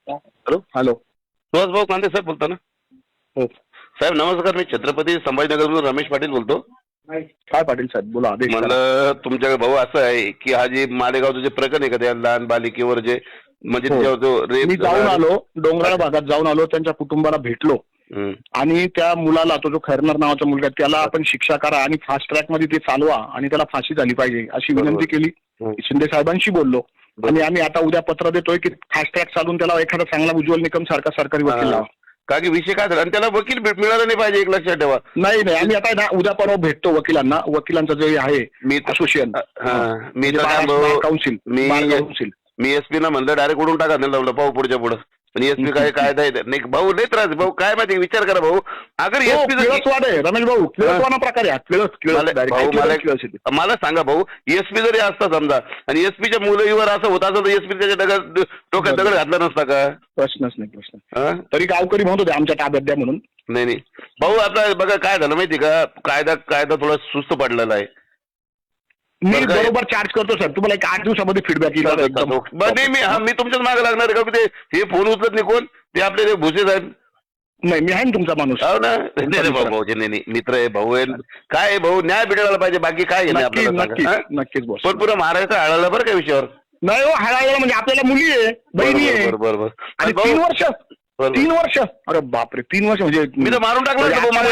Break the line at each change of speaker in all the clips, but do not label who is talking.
Hello
hello.
Suhas भाऊ कांदे साहेब बोलता ना?
हो.
साहेब नमस्कार, मी छत्रपती संभाजीनगरमधून रमेश पाटील बोलतो.
काय पाटील साहेब बोला, आदेश करा.
म्हणलं तुमच्याकडे भाऊ असं आहे की हा जे मालेगावचं जे प्रकरण आहे का त्या लहान बालिकेवर जे म्हणजे
हो.
त्याच्यावर जो
मी
रेप
जाऊन आलो, डोंगराळ भागात जाऊन आलो, त्यांच्या कुटुंबाला भेटलो आणि त्या मुलाला, तो जो खैरनार नावाचा मुलगा आहे, त्याला आपण शिक्षा करा आणि फास्ट ट्रॅक मध्ये ते चालवा आणि त्याला फाशी झाली पाहिजे अशी विनंती केली. शिंदे साहेबांशी बोललो आणि आम्ही आता उद्या पत्र देतोय की फास्ट ट्रॅक चालून त्याला एखादा चांगला उज्ज्वल निकम सारखा सरकारी वकील लावा.
का की विषय काय झाला आणि त्याला वकील मिळाला नाही पाहिजे, एक लक्षात ठेवा.
नाही आम्ही आता ना उद्या परवा भेटतो वकिलांना, वकिलांचं जे आहे असोसिएशन,
मी
काउन्सिल.
मी एसपी ना म्हणलं डायरेक्ट उडून टाका त्यांना पाहू पुढच्या पुढे. पण एसपी काय कायदा आहे नाही भाऊ, लय त्रास भाऊ. काय माहिती, विचार करा भाऊ. अगर एसपी
रमेश भाऊ किळसवाना प्रकार
मला सांगा भाऊ, एसपी जरी असता समजा आणि एसपीच्या मुलीवर असं होत असेल तर एसपी त्याच्या डोक्यात दगड घातला नसता का?
प्रश्नच नाही प्रश्न. तरी गावकरी म्हणत होते आमच्या ताब्यात द्या म्हणून.
नाही भाऊ, आता बघा काय झालं माहिती का, कायदा थोडा सुस्त पडलेला आहे.
मी बरोबर चार्ज करतो सर, तुम्हाला एक 8 दिवसामध्ये फीडबॅक येईल.
मी तुमच्याच मागे लागणार का? ते हे फोन उचलत नाही कोण, ते आपले भुसे साहेब.
नाही मी आहे ना तुमचा माणूस.
हो ना. भाऊ नाही मित्र आहे, भाऊ आहे. काय आहे भाऊ, न्याय भेटायला पाहिजे, बाकी काय नाही आपल्याला.
नक्कीच बोल.
पण पुरा महाराष्ट्र हळाला बरं का विषयावर.
नाही हो, हळायला म्हणजे आपल्याला मुली आहे, बहिणी आहे.
बरोबर.
आणि 3 वर्ष. अरे बापरे, 3 वर्ष म्हणजे
मी तर मारून टाकलं.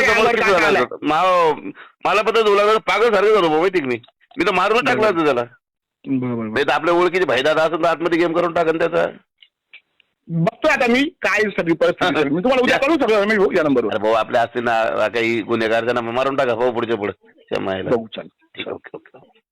मला पता तुला पागल सारखं झालो भाऊ, माहिती मी तर मारून टाकलं होतं त्याला. नाही तर आपल्या ओळखीचे भाईदादा असेल तर आतमध्ये गेम करून टाकन त्याचा.
बघतोय आता मी काय सगळी परिस्थिती. मी तुम्हाला उद्या करू सगळं या नंबरवर.
भाऊ आपल्या असतील ना काही गुन्हेगार, त्यांना मारून टाका भाऊ पुढच्या पुढे.
बघू चालेल.
ओके.